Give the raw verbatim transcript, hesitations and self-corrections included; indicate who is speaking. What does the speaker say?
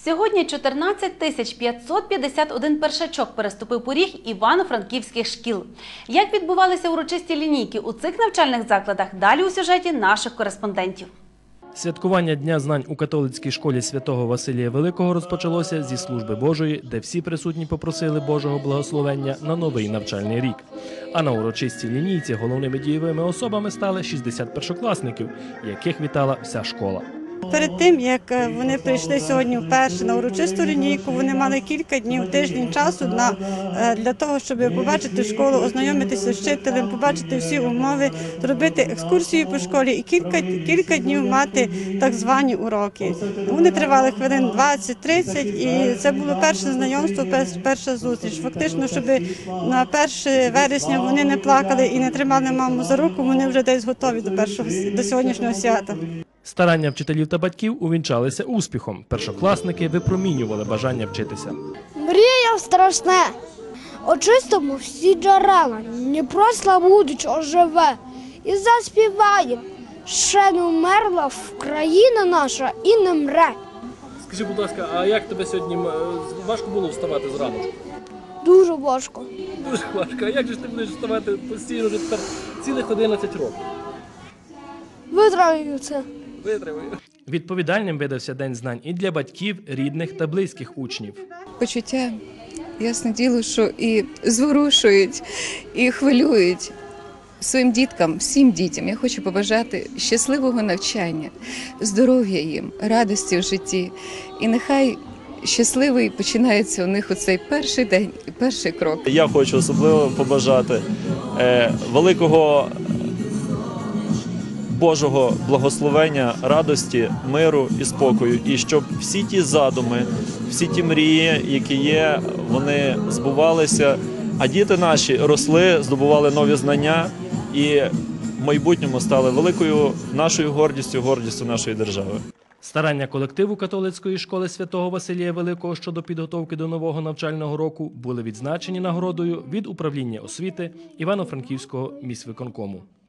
Speaker 1: Сьогодні чотирнадцять тисяч п'ятсот п'ятдесят один першачок переступив поріг івано-франківських шкіл. Як відбувалися урочисті лінійки у цих навчальних закладах, далі у сюжеті наших кореспондентів.
Speaker 2: Святкування Дня знань у католицькій школі святого Василія Великого розпочалося зі служби Божої, де всі присутні попросили Божого благословення на новий навчальний рік. А на урочистій лінійці головними дієвими особами стали шістдесят першокласників, яких вітала вся школа.
Speaker 3: Перед тим, як вони прийшли сьогодні вперше на урочисту лінійку, вони мали кілька днів, тиждень часу на, для того, щоб побачити школу, ознайомитися з вчителем, побачити всі умови, зробити екскурсію по школі і кілька, кілька днів мати так звані уроки. Вони тривали хвилин двадцять-тридцять, і це було перше знайомство, перша зустріч. Фактично, щоб на перше вересня вони не плакали і не тримали маму за руку, вони вже десь готові до, першого, до сьогоднішнього свята.
Speaker 2: Старання вчителів та батьків увінчалися успіхом. Першокласники випромінювали бажання вчитися.
Speaker 4: Мріяв страшне. Очистимо всі джерела, Дніпро славутич оживе. І заспіваєм, ще не вмерла Україна наша і не мре.
Speaker 2: Скажи, будь ласка, а як тебе сьогодні важко було вставати зранку?
Speaker 4: Дуже важко.
Speaker 2: Дуже важко. А як же ти будеш вставати постійно вже тепер цілих одинадцять років?
Speaker 4: Витримаю це.
Speaker 2: Витримаю. Відповідальним видався День знань і для батьків, рідних та близьких учнів.
Speaker 5: Почуття, ясне діло, що і зворушують, і хвилюють своїм діткам, всім дітям. Я хочу побажати щасливого навчання, здоров'я їм, радості в житті. І нехай щасливий починається у них оцей перший день і перший крок.
Speaker 6: Я хочу особливо побажати е, великого Божого благословення, радості, миру і спокою. І щоб всі ті задуми, всі ті мрії, які є, вони збувалися, а діти наші росли, здобували нові знання і в майбутньому стали великою нашою гордістю, гордістю нашої держави.
Speaker 2: Старання колективу католицької школи святого Василія Великого щодо підготовки до нового навчального року були відзначені нагородою від управління освіти Івано-Франківського міськвиконкому.